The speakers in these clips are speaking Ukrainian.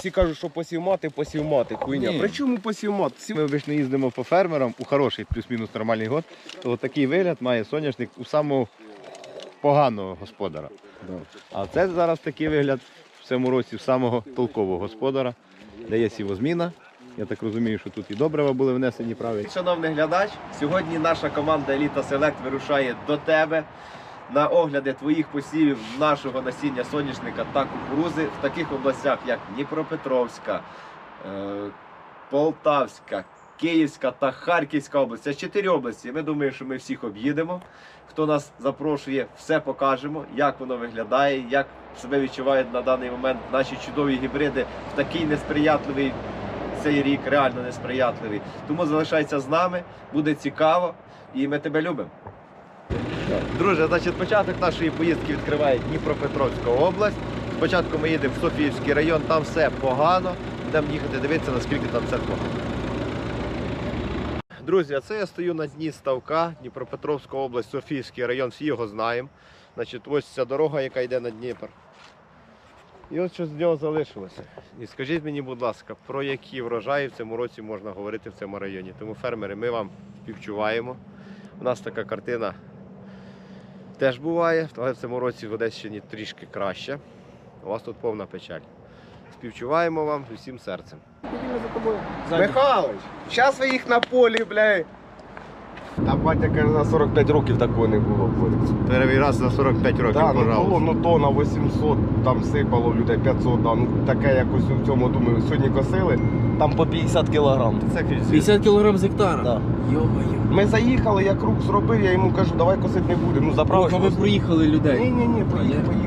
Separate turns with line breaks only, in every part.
всі кажуть, що посів мати, хуйня.
Ні.
При чому посів мати?
Ми обично їздимо по фермерам у хороший плюс-мінус нормальний год, то такий вигляд має соняшник у самого поганого господара. А це зараз такий вигляд в цьому році в самого толкового господара, де є сівозміна. Я так розумію, що тут і добрива були внесені правильно.
Шановний глядач, сьогодні наша команда Еліта Селект вирушає до тебе на огляди твоїх посівів нашого насіння соняшника та кукурузи в таких областях, як Дніпропетровська, Полтавська, Київська та Харківська область. Це 4 області. Ми думаємо, що ми всіх об'їдемо. Хто нас запрошує, все покажемо, як воно виглядає, як себе відчувають на даний момент наші чудові гібриди в такий несприятливий цей рік, реально несприятливий. Тому залишайся з нами, буде цікаво і ми тебе любимо. Друже, значить, початок нашої поїздки відкриває Дніпропетровська область. Спочатку ми їдемо в Софіївський район, там все погано. Будемо їхати дивитися, наскільки там все погано. Друзі, а це я стою на дні ставка, Дніпропетровська область, Софіївський район, всі його знаємо. Значить, ось ця дорога, яка йде на Дніпр. І ось що з нього залишилося. І скажіть мені, будь ласка, про які врожаї в цьому році можна говорити в цьому районі. Тому, фермери, ми вам співчуваємо. У нас така картина теж буває, але в цьому році в Одещині трішки краще. У вас тут повна печаль. Співчуваємо вам з усім серцем. Михайлович, зараз ви їх на полі, блядь. А батя каже, за 45 років такого не було.
Перший раз за 45 років,
Так,
пожалуйста.
було, ну тонна 800, там сипало в людей 500, да, ну таке якось у цьому, думаю, сьогодні косили, там по 50 кілограм.
Це
50 кг з гектара?
Да.
Йо-моє.
Ми заїхали, я круг зробив, я йому кажу, давай косити не будемо, ну заправиш.
Ви проїхали людей?
Ні, поїхали.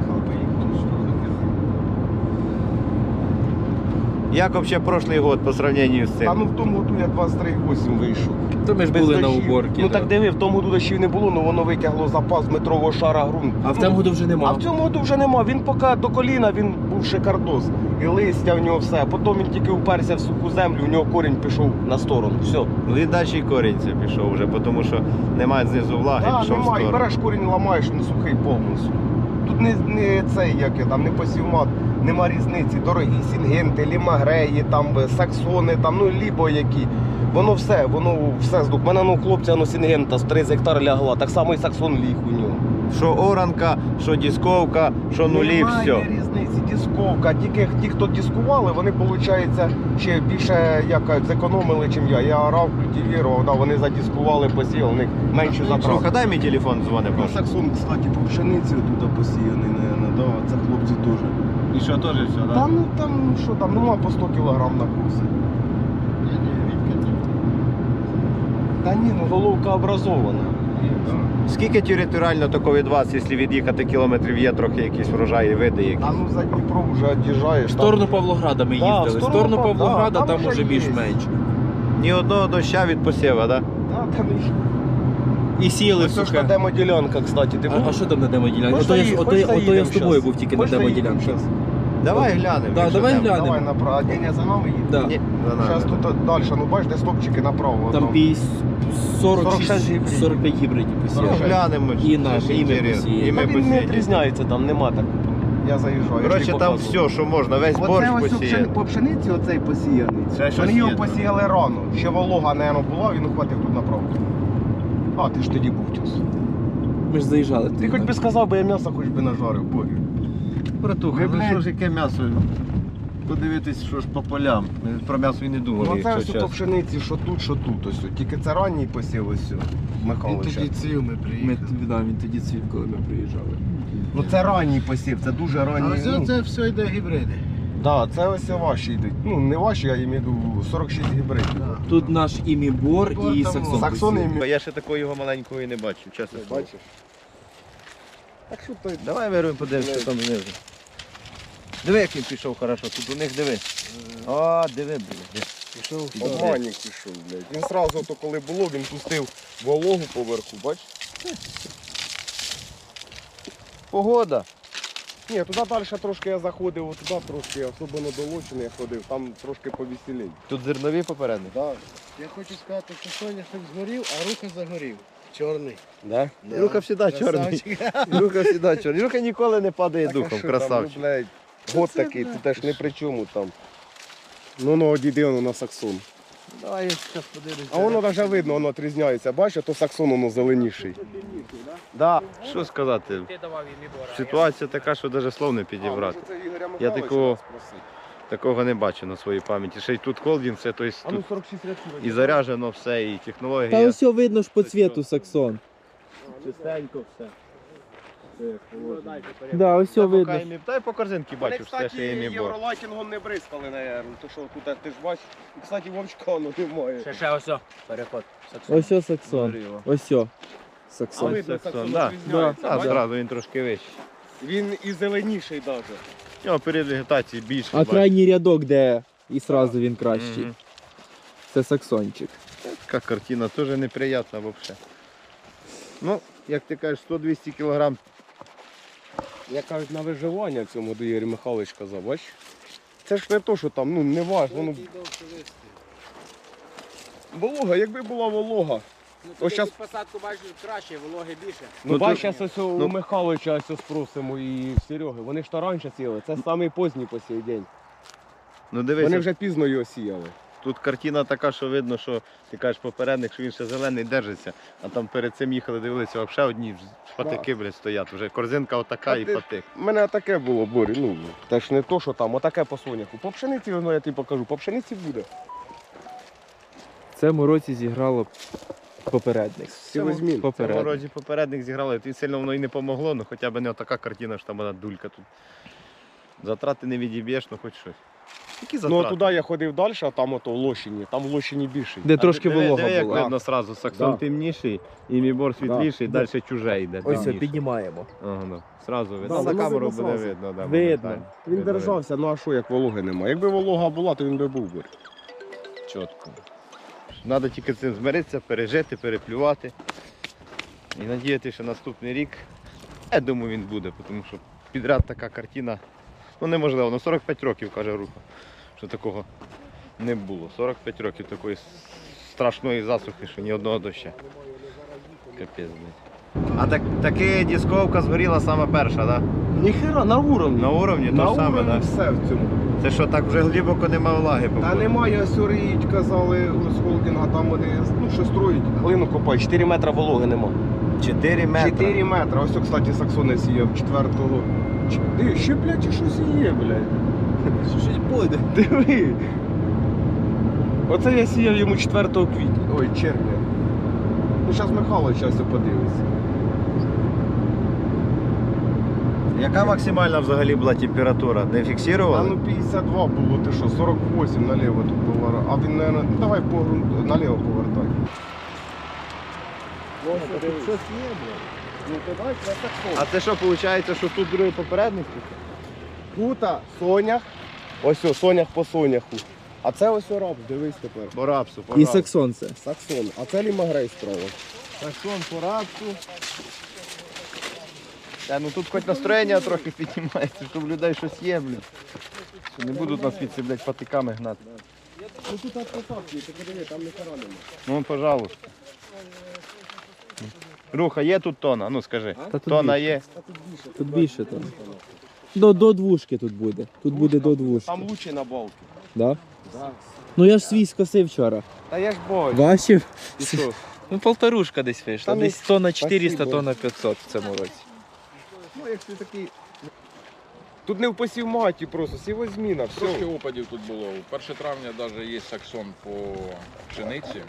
Як взагалі прошлий год по сравнению з
А
цим?
ну в тому году я 23,8 вийшов.
То ми ж
Без
були на
дощів.
уборці.
Ну так диви, в тому году дощів не було, ну воно витягло запас метрового шара ґрунту.
А в цьому году вже
А
нема.
в цьому году вже нема. Він поки до коліна, він був шикардос. І листя в нього все. Потім він тільки уперся в суху землю, у нього корінь пішов на сторону. Все.
Він далі і корінь це пішов вже, тому що немає знизу влаги,
Так,
пішов в
немає.
сторону.
Береш корінь, ламаєш, не сухий повністю. Тут не цей, як я там, не посівмат, нема різниці. Дорогі сінгенти, лімагреї, там, саксони, там, ну лібо які. Воно все здух. У мене ну, хлопця ну, сінгента з 3 гектар лягла, так само і саксон ліг у нього.
Що оранка, що дисковка, що нулі,
Немає
все.
різниці, дисковка. Тільки ті, хто дискували, вони, виходить, ще більше як, зекономили, ніж я. Я орав, культивірував, да, вони задискували, посіяли, у них менше затрат.
Слухай, дай мій телефон дзвони,
Ну,
прошу.
саксон, кстати, по пшениці тут посіяний, наверное, да, це хлопці теж.
І що, теж все,
Та ну там, що там, нема по 100 кг на курси. Та ні, ну головка образована.
Скільки територіально тако від вас, якщо від'їхати кілометрів, є трохи якісь врожаї, види якісь?
А ну за Дніпро вже від'їжджаєш.
В сторону Павлограда ми
Да,
їздили.
в
В
сторону
сторону
Пав-
Павлограда
да,
там
там
уже
вже є.
більш-менш.
Ні одного доща від посєва, так?
Да, там
І сіяли
ось ж
сухе.
демоділянка, кстати. Ти
А що там на демоділянці?
Хочеш
Ото я
заїдемо
з тобою
щас?
був тільки на
Хочеш заїдемо
демоділянці.
щас?
Давай глянемо.
Да,
якщо
давай
там.
глянемо.
Давай направо. Ні, за нами їде.
Да.
Ні, за нами.
Зараз тут далі, ну бачиш, де стопчики направо.
Там
46
46, 45 гібридів
Ну,
посіяли.
глянемо.
І наш, і ми
інтересно.
посіяли.
І ми
Та він не
посіяли.
відрізняється, там нема так. Я заїжджаю.
Коротше, там все, що можна, весь борщ посіяти.
по пшениці оцей посіяний.
Це щось
Вони його
є, так.
посіяли рано. Ще волога, мабуть, була, він ухватив тут направо. А, ти ж тоді був тюс.
Ми ж заїжджали.
Ти хоч би сказав, бо я м'ясо хоч би нажарив, боги.
Братуха,
Ви,
ну
блядь.
що ж яке м'ясо? Подивитись, що ж по полям. Ми про м'ясо і не думали,
Ну це
якщо
все по
чесно.
пшениці, що тут, ось. Тільки це ранній посів ось. Михайловича.
ців ми приїхали.
Він тоді цвів, коли ми приїжджали.
Ну це ранній посів, це дуже
А
ранній.
ось
Ну,
це все йде гібриди.
да, це ось ваші йдуть. Ну не ваші, я їм іду 46 гібридів.
Тут наш імібор
Бор
і
там
саксон.
Саксони
посів.
Я ще такого його маленького і не бачив, чесно. слово.
Бачиш? Так що той
Давай вирвемо, подивимося, що там знизу. Диви, як він пішов хорошо, тут у них диви. О, диви, блядь.
Пішов
обманник пішов, блядь. Він одразу, то коли було, він пустив вологу поверху, бачиш?
Погода.
Ні, туди далі трошки я заходив, туди трошки, особливо до Лочини я ходив, там трошки повеселій.
Тут зернові попередні.
Да.
Я хочу сказати, що соняшник згорів, а рука загорів. Чорний.
Да?
Да.
Рука завжди чорний.
Красавчик.
Рука завжди чорний. Рука ніколи не падає
Так, а
духом,
що
красавчик.
Там, ну, блядь, год такий, ти теж не при чому там.
Ну, одійди воно на Саксон.
Давай я зараз подивлюсь.
А воно навіть видно, воно відрізняється. Бачиш, то Саксон воно зеленіший.
Да.
Що сказати? Ситуація така, що навіть слов не підібрати. Я такого не бачу на своїй пам'яті. Ще й тут холдинг, все, тобто
А ну
тут
46 рядків.
і заряджено все, і
Та
технологія.
ось видно ж по цвіту Саксон.
Чистенько все.
Да, ось видно.
Та й по корзинці
Вони,
бачу, все, що є
кстати,
мій бор.
євролайтингом не бризкали, наверное. То що тут ти ж бачиш. І, кстати, вовчка воно немає.
Ще ось о, переход.
Ось о Саксон. Ось о.
А
Саксон.
видно,
Саксон,
Саксон
да.
відрізняється.
А,
бачиш?
зразу він трошки вищий.
Він і зеленіший навіть.
У нього період вегетації більший.
А
бачиш.
крайній рядок, де і сразу він кращий.
Мгм.
Це Саксончик.
Така картина теж неприятна взагалі. Ну, як ти кажеш, 100-200 кг.
Я кажуть, на виживання цьому до Ігор Михайлович казав, бач? Це ж не то, що там, ну не важко, воно... Волога, якби була волога. Ось щас...
посадку бачиш краще, вологи більше.
Ну, бач, зараз ось у Михайловича ось спросимо і в Сереги. Вони ж то раніше сіяли, це самий поздній по сей день.
Ну дивись,
Вони вже пізно його сіяли.
тут картина така, що видно, що ти кажеш попередник, що він ще зелений держиться, а там перед цим їхали, дивилися, взагалі одні патики, блядь, стоять. Вже корзинка отака і патик.
У мене таке було, Борі, ну, те ж не то, що там, отаке по соняху. По пшениці, ну, я тобі покажу, по пшениці буде.
В цьому році зіграло попередник.
Сівозмін.
В цьому
Попередник.
році попередник зіграли, і сильно воно і не помогло, ну хоча б не отака картина, що там вона дулька тут. Затрати не відіб'єш, ну хоч щось. Які
Ну,
затрати?
а туди я ходив далі, а там ото в Лощині, там в Лощині більший.
Де трошки
диви,
волога
як
була.
видно сразу, Саксон
Да.
темніший, і мібор світліший,
Да.
далі чуже йде.
Ось це
темніше.
піднімаємо.
Ага, да. Сразу видно.
Да,
На
воно
камеру
видно
буде
зразу.
видно. Да,
Видно.
моментально.
Він
Видно,
держався, ну а що, як вологи немає? Якби волога була, то він би був, Борь.
чітко. Треба тільки цим змиритися, пережити, переплювати. І надіятися, що наступний рік, я думаю, він буде, тому що підряд така картина, ну неможливо, ну 45 років, каже Руха, що такого не було. 45 років такої страшної засухи, що ні одного доща. Капець, блядь. А таки дисковка згоріла саме перша, так? Да?
Ніхера, на уровні.
На уровні
На
то саме,
уровні
так?
все в цьому.
Це що, так вже глибоко немає влаги,
Та
походу?
немає, сюріють, казали з холдинга, там вони, ну що строють, глину копають, 4 метри вологи нема.
4 метри.
4 метри, ось, кстати, Саксони сіяв 4-го. Диви, ще, блядь, і щось є, блядь.
Щось буде.
Диви. Оце я сіяв йому 4 квітня, ой, червня. Ну, зараз Михайло час подивиться.
Яка максимальна взагалі була температура? Не
А
фіксували?
ну 52 було, ти що, 48 наліво тут було. А він, наверное, ну давай по грунту, наліво повертай.
Щось є, блядь.
Ну то дай, це Саксон.
А це що, виходить, що тут другий попередник?
Тута сонях, ось о, сонях по соняху. А це ось о рапс, дивись тепер.
По рапсу, по
І
рапсу.
Саксон це.
Саксон, а це лімагрей справа.
Саксон по рапсу. Та, ну тут хоч настроєння трохи піднімається, щоб у людей щось є, блін. Що не будуть нас від блядь, патиками гнати.
Ну тут посадки, ти подиви, там не кара нема.
Ну, пожалуйста. Руха, є тут тона? Ну скажи.
Та тут
Тона
більше.
є.
Тут більше там. До двушки тут буде. Тут буде до двушки.
Там лучше на балки.
Да?
Да.
Ну я ж свій скосив вчора.
Та я ж бачу.
Бачив?
І що?
Ну полторушка десь вийшла.
Та ну,
Десь тонна 400,
спасибо.
тонна 500 в цьому році.
Ну як ти такий... Тут не в посівматі просто, сівозміна,
Трошки
все.
опадів тут було. 1 травня навіть є саксон по пшениці.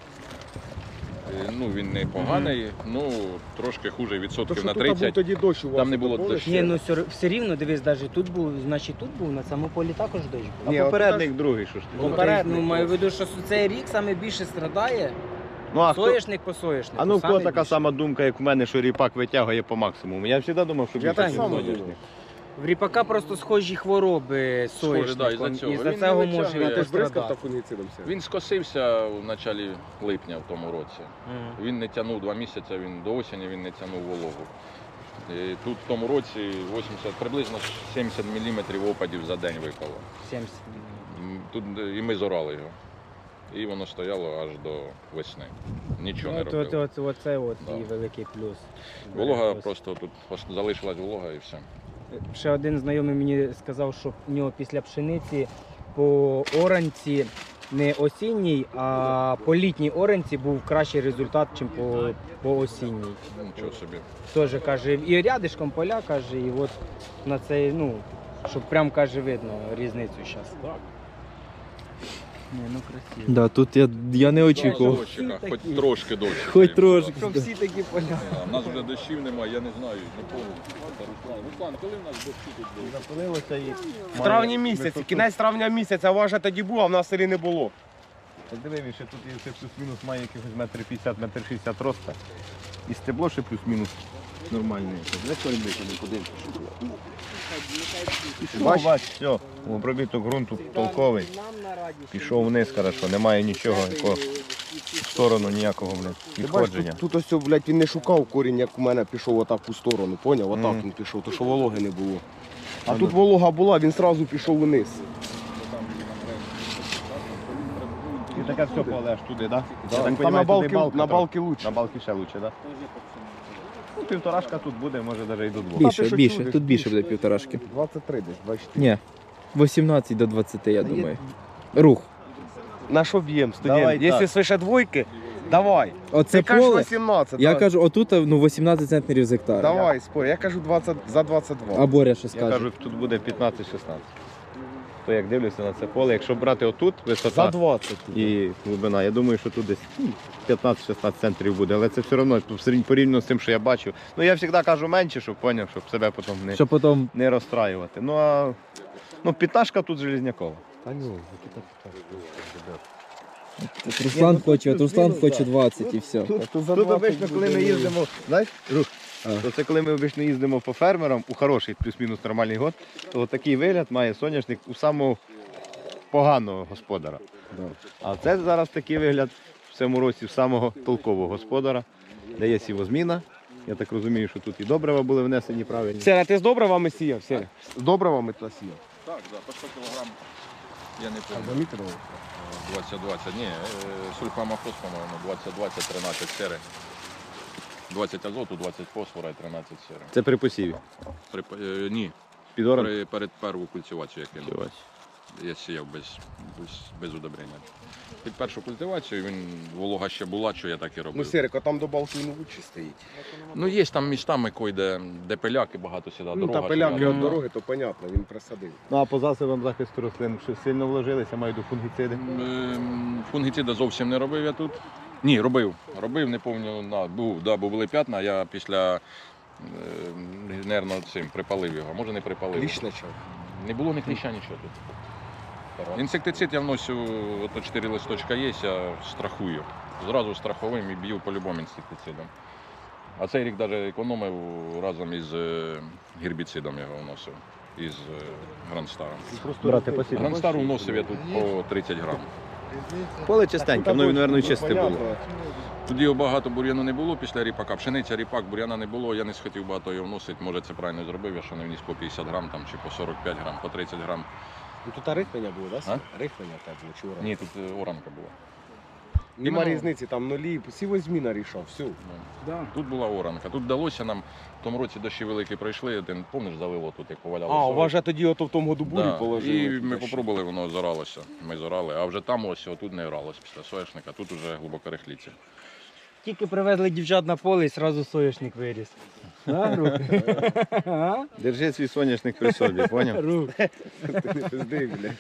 Ну, він не поганий, ну трошки хуже
То,
відсотків
що
на
тут був
30.
тоді дощ у вас.
Там не було
помниш?
дощу.
Ні, ну все рівно, дивись, навіть тут був, значить тут був, на цьому полі також дощ був.
А
Ні,
попередник другий, що ж ти?
Ну,
попередник
ну, маю в
просто.
виду, що цей рік саме більше страдає.
Ну, а хто?
Соняшник по соняшнику.
А ну в кого
саме
така
більше.
сама думка, як в мене, що ріпак витягує по максимуму? Я завжди думав, що
Я
більше,
так
ніж
само
соняшник.
думав.
В ріпака просто схожі хвороби з
Схоже, да,
соняшником.
із-за цього.
І за
Він
цього
не
може
витягує.
він
Ти ж бризкав та
пострадати.
фунгіцидом все.
Він скосився в началі липня в тому році.
Мгм.
Він не тягнув 2 місяці, він до осені він не тягнув вологу. І тут в тому році 80, приблизно 70 мм опадів за день випало.
70.
Тут і ми зорали його. І воно стояло аж до весни. Нічого не робило.
Оце
Да.
і великий плюс.
Волога
Ось.
просто тут залишилась волога і все.
Ще один знайомий мені сказав, що в нього після пшениці по оранці не осінній, а по літній оранці був кращий результат, ніж по осінній.
Нічого собі.
Теж каже, і рядишком поля, каже, і от на цей, ну, щоб прям каже видно різницю зараз. Так. Не, ну красиво.
Да, тут я не очікував.
Дощика, хоч трошки дощ.
Хоч трошки.
Щоб всі такі поля.
У нас вже дощів немає, я не знаю, не пам'ятаю. Руслан, коли в нас дощі тут були?
Запалилося і
В травні місяці, кінець травня місяця, важе тоді був, а в нас в селі не було.
Диви, ще тут є це плюс-мінус має якихось метр 50, метр 60 роста. І стебло ще плюс-мінус нормальне. Бач, все, обробіток ґрунту толковий. Пішов вниз, хорошо, немає нічого, якого в сторону ніякого, відходження.
Тут ось, блядь, він не шукав корінь, як у мене пішов отак у сторону, поняв? Отак він пішов, то що вологи не було. А тут волога була, він одразу пішов вниз.
І таке все поле аж туди, так?
Там на балки лучше.
На балки ще лучше, так? Ну, півторашка тут буде, може навіть і до двох.
Більше,
що
більше.
чудиш,
Тут більше буде півторашки.
23 десь, 24.
Ні. 18 до 20, я думаю. Рух.
На що б'єм,
Давай
студент? Якщо
так.
свише двойки, давай.
Оце
Ти кажеш
поле.
18,
Я
так.
кажу, отут 18 центнерів з гектара.
Давай, спорь, я кажу 20, за 22.
А Боря що
Я
скаже?
кажу, тут буде 15-16. То як дивлюся на це поле, якщо брати отут висота
За 20.
і глибина, я думаю, що тут десь 15-16 центрів буде, але це все одно порівняно з тим, що я бачив. Ну я завжди кажу менше, щоб поняв, щоб себе потім
Що потім
не розстраювати. Ну а п'яташка тут железнякова.
Та ні,
Руслан хоче, от Руслан хоче 20 і все.
Тут обично, коли ми їздимо, знаєш, Рух, то це коли ми обично їздимо по фермерам у хороший плюс-мінус нормальний год, то такий вигляд має соняшник у самого поганого господара. А це зараз такий вигляд в цьому році в самого толкового господара, де є сівозміна. Я так розумію, що тут і добрива були внесені правильні.
Сера, ти з добривами сіяв, Сера? З добривами ти сіяв?
Так, по 100 кг. Я не
А
пам'ятаю.
замітили?
20-20, ні, сульфамофос, по-моєму, 20-20, 13 сери. 20 азоту, 20 фосфора і 13 сери.
Це при посіві.
Ні,
Під оран.
перед перву культивацію я кинув. Я сіяв без удобрення. Під першу культивацію волога ще була, що я так і
Ну,
робив.
Серик, там до балки не лучше стоїть.
Ну, є там містами, де пиляки багато сюди,
Ну,
дорога.
та пиляки
сюди.
від дороги, то понятно, він присадив.
Ну а по засобам захисту рослин що сильно вложилися, маю до фунгіциди.
Фунгіцида зовсім не робив я тут. Ні, робив, не пам'ятаю, бо були п'ятна, а я після, нервно цим припалив його, може не припалив.
Кліщ почав.
Не було ні кліща, нічого тут. Інсектицид я вношу, ото 4 листочка є, я страхую. Зразу страховим і б'ю по-любому інсектицидом. А цей рік навіть економив разом із гербіцидом його вносив, із Грандстаром.
Брати посів.
Грандстару вносив я тут по 30 грам.
Поле чистеньке, воно, мабуть, чисте було.
Тоді багато бур'яну не було після ріпака. Пшениця, ріпак, бур'яна не було, я не схотів багато його вносити. Може це правильно зробив, я що не вніс по 50 грам там, чи по 45 грам, по 30 грам.
Ну тут рихлення було, так?
А?
Рихлення так було, чи ура?
Ні, тут оранка була.
Нема
іменно-
різниці, там нулі, сівозміна рішав, все.
Тут була оранка. Тут вдалося нам, в тому році дощі великі пройшли, ти помниш, залило тут, як поваляло.
А, у
зори.
вас же тоді ото в тому году бурю
Да.
положили.
І ми попробували, воно зоралося. Ми зорали, а вже там ось отут не оралось після соняшника, тут вже глибоко рихліться.
Тільки привезли дівчат на поле і одразу соняшник виріс. А, Рух? А?
Держи свій соняшник при собі, поняв?
Рух.
Не пизди, бля.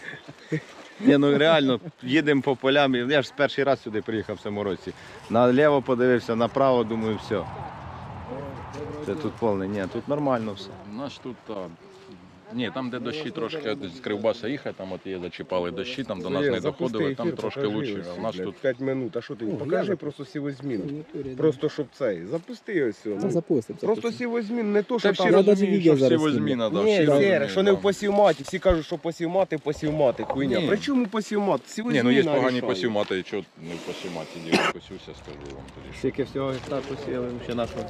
Ні, ну реально, їдемо по полям. Я ж перший раз сюди приїхав в цьому році. Наліво подивився, направо, думаю, все. Це тут повне. Ні, тут нормально все.
У нас тут, ні, там де дощі трошки з Кривбаса їхати, там от є зачіпали дощі, там до нас не доходили, там трошки лучше. А у нас тут
5 минут, а що ти? Покажи просто сівозміну. Просто щоб цей, запусти ось його.
Та запустимо.
Просто сівозмін, не то,
Це
що
всі
там...
навіть
розуміють,
відео
що всі
зараз
возьміна, да,
Ні,
всі
Сєре,
розуміють,
що не
да.
в посівматі, всі кажуть, що посівмати, хуйня.
Ні.
При чому посівмат?
Ні, ну є погані
рішає.
посівмати, і чого не в посівматі діло посівся, скажу вам тоді.
Скільки всього гектар посіяли ще нашого?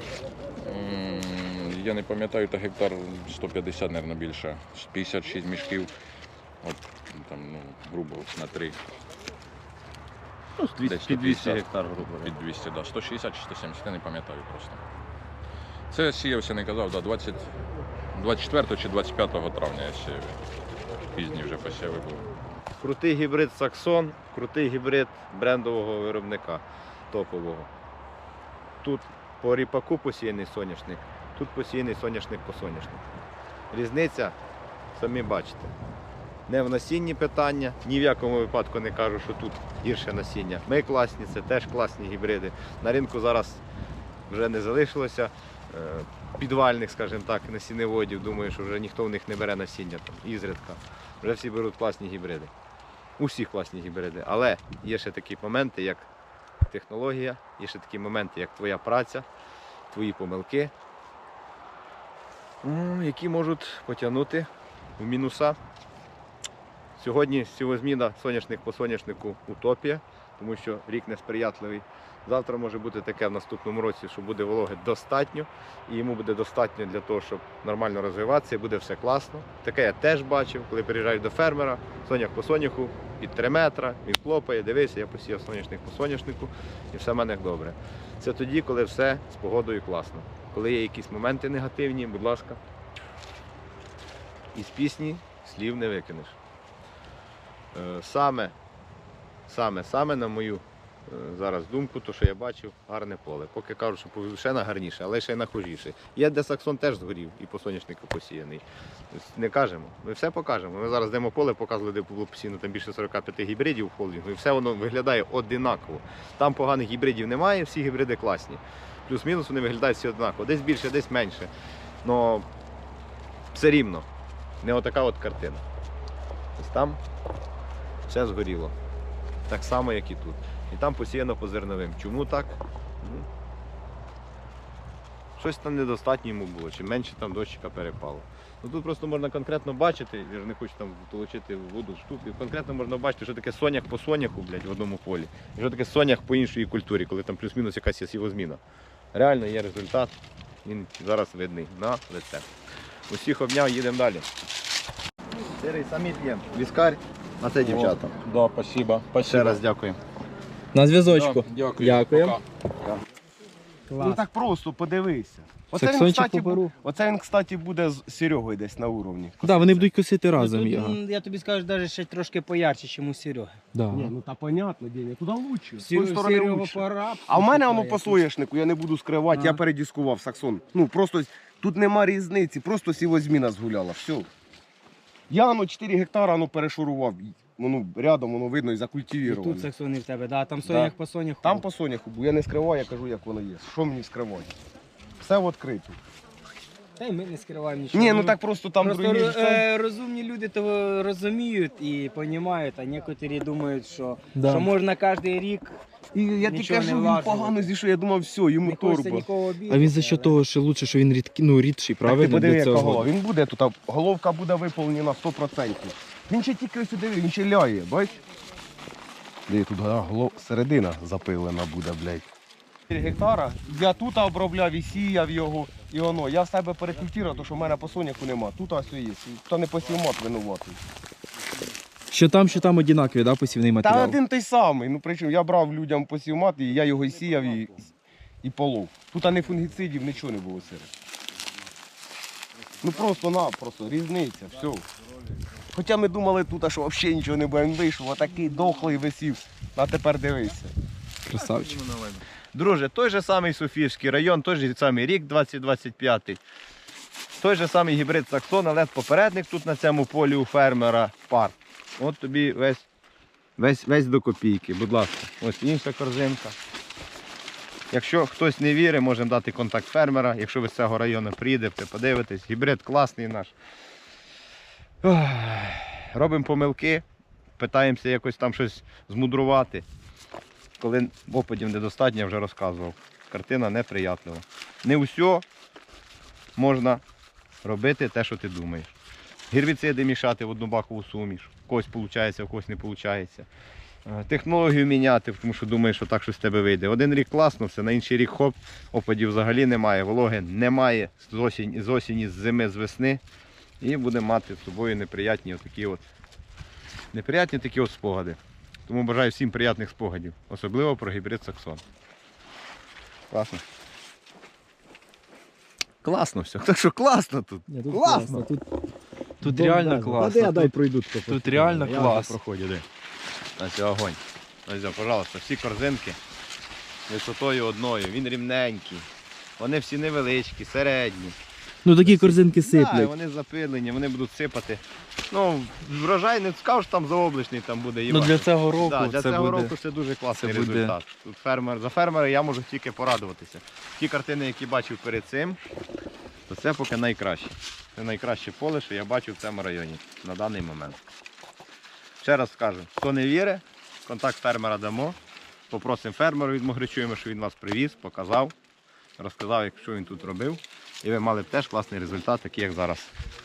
Я не пам'ятаю, та гектар 150, мабуть, більше. 56 мішків, от там, ну, грубо на 3,
Ну,
Десь
під 200
150.
гектар, грубо говоря.
під 200, да. 160 чи 170, я не пам'ятаю просто. Це сіявся, не казав, да, 24 чи 25 травня я сіяв. Пізні вже посіви були.
Крутий гібрид Саксон, крутий гібрид брендового виробника топового. Тут по ріпаку посіяний соняшник, тут посіяний соняшник по соняшнику. Різниця, самі бачите. Не в насінні питання, ні в якому випадку не кажу, що тут гірше насіння. Ми класні, це теж класні гібриди. На ринку зараз вже не залишилося підвальних, скажімо так, насінневодів. Думаю, що вже ніхто в них не бере насіння там, ізрідка. Вже всі беруть класні гібриди. У всіх класні гібриди. Але є ще такі моменти, як технологія, є ще такі моменти, як твоя праця, твої помилки, які можуть потягнути в мінуса. Сьогодні сівозміна соняшник по соняшнику утопія, тому що рік несприятливий. Завтра може бути таке в наступному році, що буде вологи достатньо, і йому буде достатньо для того, щоб нормально розвиватися, і буде все класно. Таке я теж бачив, коли приїжджаєш до фермера, соняк по соняху, під 3 метри, він хлопає, дивися, я посіяв соняшник по соняшнику, і все в мене добре. Це тоді, коли все з погодою класно. Коли є якісь моменти негативні, будь ласка, із пісні слів не викинеш. Саме, на мою зараз думку, то що я бачив, гарне поле. Поки кажу, що ще на гарніше, але ще й на хужіше. Є де Саксон теж згорів і по соняшнику посіяний. Не кажемо, ми все покажемо. Ми зараз йдемо поле, показували, де було посіяно там більше 45 гібридів в холдингу, і все воно виглядає одинаково. Там поганих гібридів немає, всі гібриди класні. Плюс-мінус вони виглядають всі однаково. Десь більше, десь менше. Но все рівно. Не отака от картина. Ось там все згоріло. Так само, як і тут. І там посіяно по зерновим. Чому так? Щось там недостатньо йому було, чи менше там дощика перепало. Ну, тут просто можна конкретно бачити, я ж не хочу там толочити воду в штук, і конкретно можна бачити, що таке соняк по соняху, блядь, в одному полі, і що таке соняк по іншій культурі, коли там плюс-мінус якась є сівозміна. Реально є результат, він зараз видний на лице. Усіх обняв, їдемо далі. Сирий самі п'ємо. Віскар, а це дівчата.
Да, спасибо.
Ще раз дякую.
На зв'язочку.
Дякую.
Дякуємо.
Ну так просто, подивися.
Саксончик поберу.
Оце він, кстати, буде з Серегою десь на уровні.
Так, вони будуть косити разом
Тут,
його.
я тобі скажу, навіть ще трошки поярче, ніж у Сереги.
Да.
Ні, ну та понятно, Деня, туди лучше. З тої сторони
Серега
лучше.
пора.
А в мене воно по соняшнику, я не буду скривати, я передіскував Саксон. Ну просто тут нема різниці, просто сівозміна згуляла, все. Я 4 гектара перешурував, воно рядом, воно видно і
І
закультивіровано.
тут саксони в тебе, да, там сонях по соняху.
Там по соняху був, я не скриваю, я кажу, як воно є. Що мені скривати? Все відкрито.
Та й ми не скриваємо нічого.
Ні, ну так просто там
Просто
другі
розумні люди то розуміють і розуміють, а некоторі думають, що
Да.
можна кожен рік,
І я тобі
Нічого
кажу,
не
він
влазило.
погано зійшов, я думав, все, йому
не хочеться
торба.
нікого обідати.
А він за що того, що лучше, що він рідший,
Так
правильно?
ти подиви,
для
яка
цього?
голова. Він буде тут, а головка буде виповнена 100%. Він ще тільки сюди, він ще ляє, бач? Де тут середина запилена буде, блядь. 4 гектара, я тут обробляв і сіяв його, і воно. Я в себе перекультував, тому що в мене по соняху нема. Тут ось є. Хто не посів мат винуватий.
Що там одинакові, да, посівний
Та
матеріал?
один той самий. Ну причому я брав людям посів мат, і я його і сіяв, і полов. Тут не фунгіцидів, нічого не було серед. Ну просто-напросто, різниця, все. Хоча ми думали тут, що взагалі нічого не буде, він вийшов, отакий дохлий висів, а тепер дивися.
Красавчик.
Друже, той же самий Софіївський район, той же самий рік 2025, той же самий гібрид Саксон, але попередник тут на цьому полі у фермера пар. От тобі весь до копійки, будь ласка. Ось інша корзинка. Якщо хтось не вірить, можемо дати контакт фермера. Якщо ви з цього району приїдете, подивитесь. Гібрид класний наш. Робимо помилки, питаємося якось там щось змудрувати. Коли опадів недостатньо, я вже розказував. Картина неприятлива. Не все можна робити те, що ти думаєш. Гербіциди мішати в одну бакову суміш. В когось виходить, в когось не виходить. Технологію міняти, тому що думаєш, що так щось з тебе вийде. Один рік класно, все, на інший рік хоп, опадів взагалі немає, вологи немає з осені, з зими, з весни. І будемо мати з собою неприятні такі спогади. Тому бажаю всім приємних спогадів, особливо про гібрид Саксон. Класно. Класно все. Так що класно тут.
Ні, тут
Класно.
Тут Тут реально класно.
Та дай пройду.
Тут реально
Я
клас.
вже проходжу, де. На цей огонь. Ось, пожалуйста, всі корзинки висотою одною. Він рівненький. Вони всі невеличкі, середні.
Ну такі корзинки
Так,
сиплять.
вони запилені, вони будуть сипати. Ну, врожай не скажу, що там заоблачний там буде
Ну
їбати.
для цього року
Да, для
це
цього
буде.
року це дуже класний
це буде-
результат. Тут за фермера я можу тільки порадуватися. Ті картини, які бачив перед цим, то це поки найкраще. Це найкраще поле, що я бачив в цьому районі на даний момент. Ще раз скажу, хто не вірить, контакт фермера дамо. Попросимо фермера відмогречуємо, що він вас привіз, показав, розказав, що він тут робив. І ви мали б теж класний результат, такий як зараз.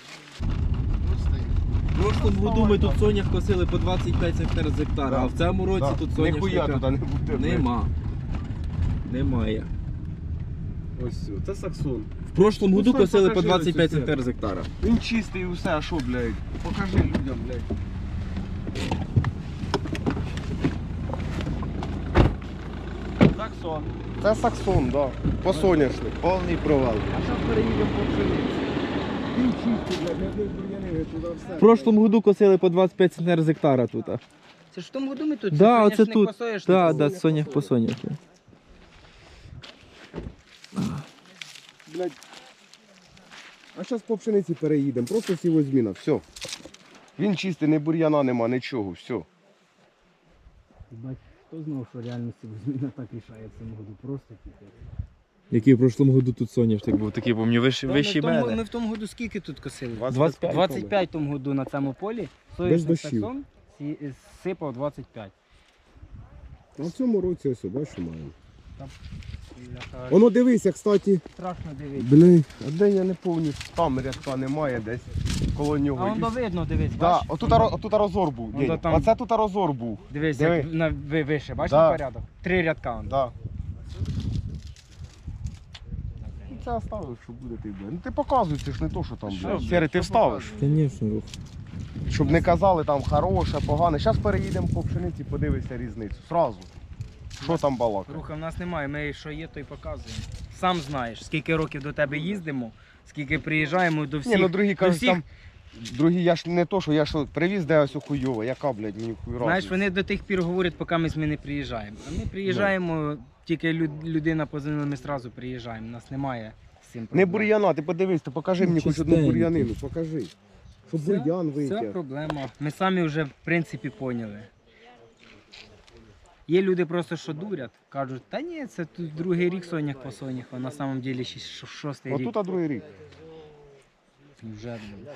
В прошлому году ми тут сонях косили по 25 центнер з гектара, а в цьому році тут
Ніхуя
соняшника
туди не буде.
нема. Немає.
Ось все. Це саксон.
В прошлому году
Стой,
косили по
покажи
25
оцю
центнер з гектара.
Він чистий і усе, а що, блядь? Покажи людям, блядь.
Саксон.
Це саксон, да. По соняшник.
Повний провал.
А зараз переїдемо по пшениці. Він чистий, блядь, не одних бур'янів, туди все.
В прошлому году косили по 25 центнер з гектара тут.
Це ж в тому году ми тут
Да, оце
соняшник
тут.
посоєш,
Да,
тут
да, сонях по соняху.
Блядь. А зараз по пшениці переїдемо, просто сівозміна, все. Він чистий, не бур'яна нема, нічого, все.
Бать, хто знав, що реальності зміна так рішає в цьому году, просто тільки.
Який в прошлому году тут соняшник був, такий, помню, вищий
Ми в тому году скільки тут косили?
25.
25 тому году на цьому полі.
Без
Соняшник
дощів.
саксон сипав 25.
А в цьому році ось, бачиш, маємо.
Бляха,
Воно дивися, кстати.
страшно дивитися.
Блін, а де я не повністю. Там рядка немає десь коло нього.
А воно видно, дивись,
Да,
бачиш?
отут розор був.
Вон
День.
там-
Оце тут розор був.
Дивись,
Диви.
як вище, бачиш
Да.
порядок? 3 рядка. воно.
Да. Ну, це оставив, що буде ти, блядь. Ну ти показуй, це ж не то, що там, блядь. Сері, ти вставиш.
Звісно, рух.
Щоб не казали там хороше, погане. Зараз переїдемо по пшениці, подивися різницю. Сразу. Що там балакає?
Руха в нас немає, ми що є, то й показуємо. Сам знаєш, скільки років до тебе їздимо, скільки приїжджаємо до всіх.
Ні, ну другі
до
кажуть,
всіх.
там. Другі, я ж не то, що я ж привіз, де ось хуйово, яка, блядь, мені хуй
Знаєш,
разниця.
вони до тих пір говорять, поки ми не приїжджаємо. А ми приїжджаємо, тільки людина позвонила, ми одразу приїжджаємо. У нас немає з цим
Не
проблем.
бур'яна, ти подивись, ти покажи
Ну,
мені хоч одну
чистенький.
бур'янину, покажи. Щоб
Це-
бур'ян
Це
витяг.
проблема. Ми самі вже в принципі поняли. Є люди просто, що дурять, кажуть, та ні, це тут другий рік сонях по сонях, а на самом деле ще шостий рік.
Отут, а другий рік.
Вже, блін.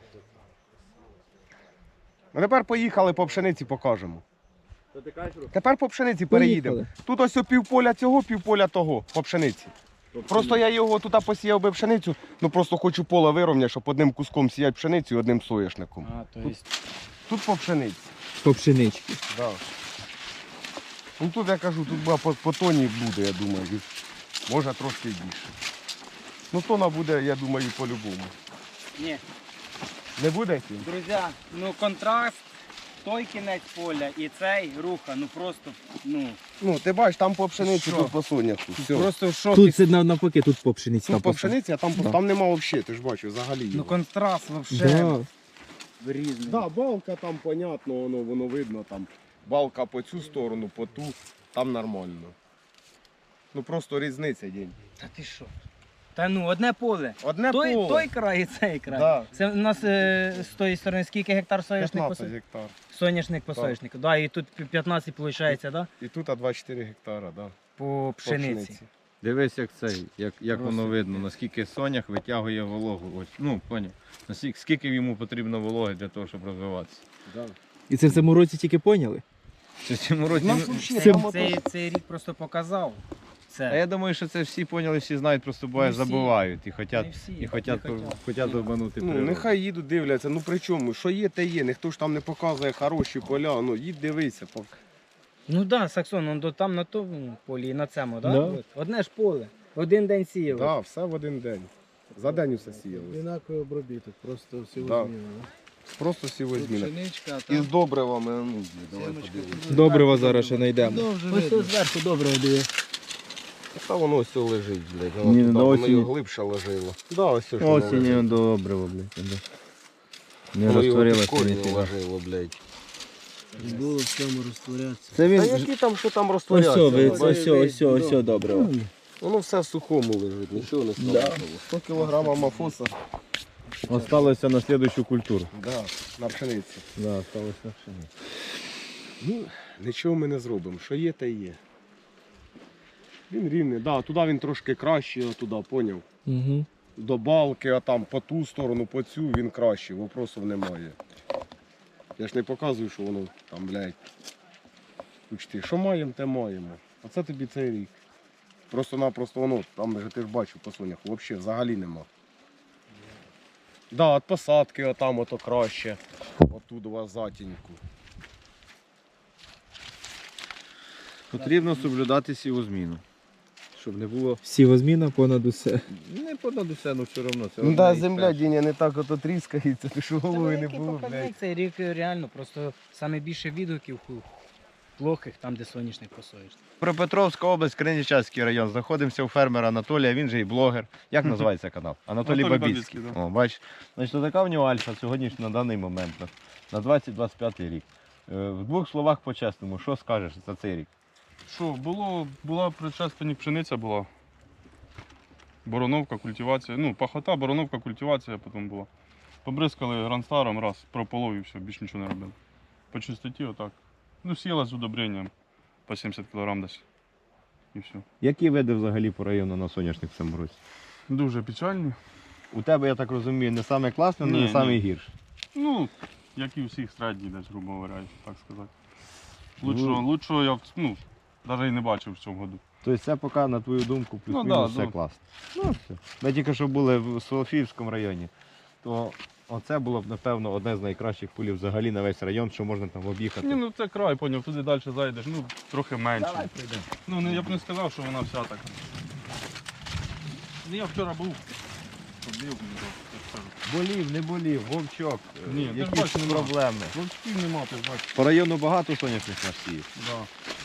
А тепер поїхали по пшениці покажемо. Тепер по пшениці переїдемо.
Поїхали.
Тут ось півполя цього, півполя того по пшениці. Просто я його тут посіяв би пшеницю, ну просто хочу поле вирівняти, щоб одним куском сіяти пшеницю і одним соняшником.
А, то есть...
Тут по пшениці.
По пшенички.
Да. Ну тут я кажу, тут по тоні буде, я думаю. Може трошки більше. Ну тона буде, я думаю, по-любому.
Ні,
Не буде?
друзі, ну контраст, той кінець поля і цей руха, ну просто, ну,
Ну, ти бачиш, там по пшениці,
Що?
тут по соняху. Все.
просто в шокі.
Тут це навпаки, тут по пшениці.
Тут
там
по пшениці, а там,
Да.
там нема взагалі, ти ж бачиш, взагалі.
Ну
його.
контраст вообще
Да.
різний.
Да, балка там, понятно, воно видно там. Балка по цю сторону, по ту, там нормально. Ну просто різниця день.
Та ти що? Та ну, одне поле.
Одне
Той,
поле.
той край і цей край.
Да.
Це у нас з тої сторони скільки гектар соняшник
15 гектар.
Соняшник по
Так.
соняшнику. Да, і тут 15 виходить, да?
І тут 24 гектара, да.
По пшениці.
пшениці.
Дивись, як цей, як воно видно, наскільки сонях витягує вологу. Ось, ну, поняв. Скільки йому потрібно вологи для того, щоб розвиватися.
Да.
І це в цьому році тільки поняли?
Чи в цьому році?
Нас
ну,
взагалі
це-
там ото-
Цей рік просто показав.
А
Це.
я думаю, що це всі поняли, всі знають, просто буває
Не всі.
забувають і
Не
хотять,
всі,
і хотять,
не хотять.
хотять обманути
Ну,
природу.
нехай їдуть, дивляться, ну при чому, що є, те є, ніхто ж там не показує хороші поля, ну їдь дивися.
Ну так, да, Саксон, он там на тому полі і на цьому, да?
Да.
От. Одне ж поле. Один день сіяв.
Да, все в один день. За день усе сіялося.
Одинаковий обробіток, просто всього
Да.
змінено.
Просто сівозміна.
Пшеничка,
І з добривами, ну, давай
Сімочка
подивимось.
тут
Добрива зараз ще знайдемо.
Довже
Ось
видно.
тут зверху добре диви.
Та воно ось лежить, блядь.
Ні,
Воно,
до
воно
осені.
його глибше ложило. Да, ось що воно лежить.
добре, блядь.
Не
Воно його
розтворилося.
під корінь
ніфіга.
ложило, блядь.
Було в цьому розтворятися.
Це
Та
він.
які там, що там
Ось,
розтворяться?
ось, добре.
Воно все в сухому лежить, нічого не стало. 100 кг амафоса.
Осталося на слідуючу культуру.
Да, на пшениці.
Да, осталося на пшениці.
Ну, нічого ми не зробимо. Що є, те є. Він рівний, да, туди він трошки кращий, туди, поняв.
Угу.
До балки, а там по ту сторону, по цю він кращий, вопросів немає. Я ж не показую, що воно там, блядь. Учти, що маємо, те маємо. А це тобі цей рік. Просто-напросто воно, там же ти ж бачив по сонях, взагалі нема. Да, від посадки отам ото краще. Отут у вас затіньку.
Потрібно соблюдати сівозміну. Щоб не було.
Сівозміна понад усе.
Не понад усе, ну все одно. Це
Ну
одне
да,
із
земля,
перших.
Діня, не так ото тріскається, ти що голови не було, блядь.
Цей рік реально, просто саме більше відгуків плохих, там де соняшник посоїш.
Дніпропетровська область, Криничацький район. Знаходимося у фермера Анатолія, він же і блогер. Як називається канал? Анатолій Бабіцький. О, бач. Значить, така в нього альфа сьогодні на даний момент, на 2025 рік. В двох словах по-чесному, що скажеш за цей рік?
Що, була предшественник пшениця була. Бороновка, культивація. Ну, пахота, бороновка, культивація потім була. Побризкали гранстаром раз, прополов і все, більше нічого не робили. По чистоті отак. Ну, сіяла з удобренням по 70 кг десь. І все.
Які види взагалі по району на соняшник в цьому році?
Дуже печальні.
У тебе, я так розумію, не саме класне, але
Ні,
не саме
ні.
гірше.
Ну, як і у всіх середній десь, грубо говоря, так сказати.
Ну.
Лучшого я навіть і не бачив в цьому году.
Тобто це поки, на твою думку,
Ну,
плюс-мінус
да,
все
да.
класно. Ну, все. Ми тільки що були в Солофіївському районі, то оце було б, напевно, одне з найкращих полів взагалі на весь район, що можна там об'їхати.
Ні, ну це край, поняв, туди далі зайдеш, ну трохи менше. Ну, я б не сказав, що вона вся така. Ну, я вчора був. Побив, так скажу.
Болів, не болів, вовчок,
Ні, ти ж
якісь
бачиш, нема.
проблеми.
Вовчків нема, ти ж бачиш.
По району багато соняшних насіїв.
Да.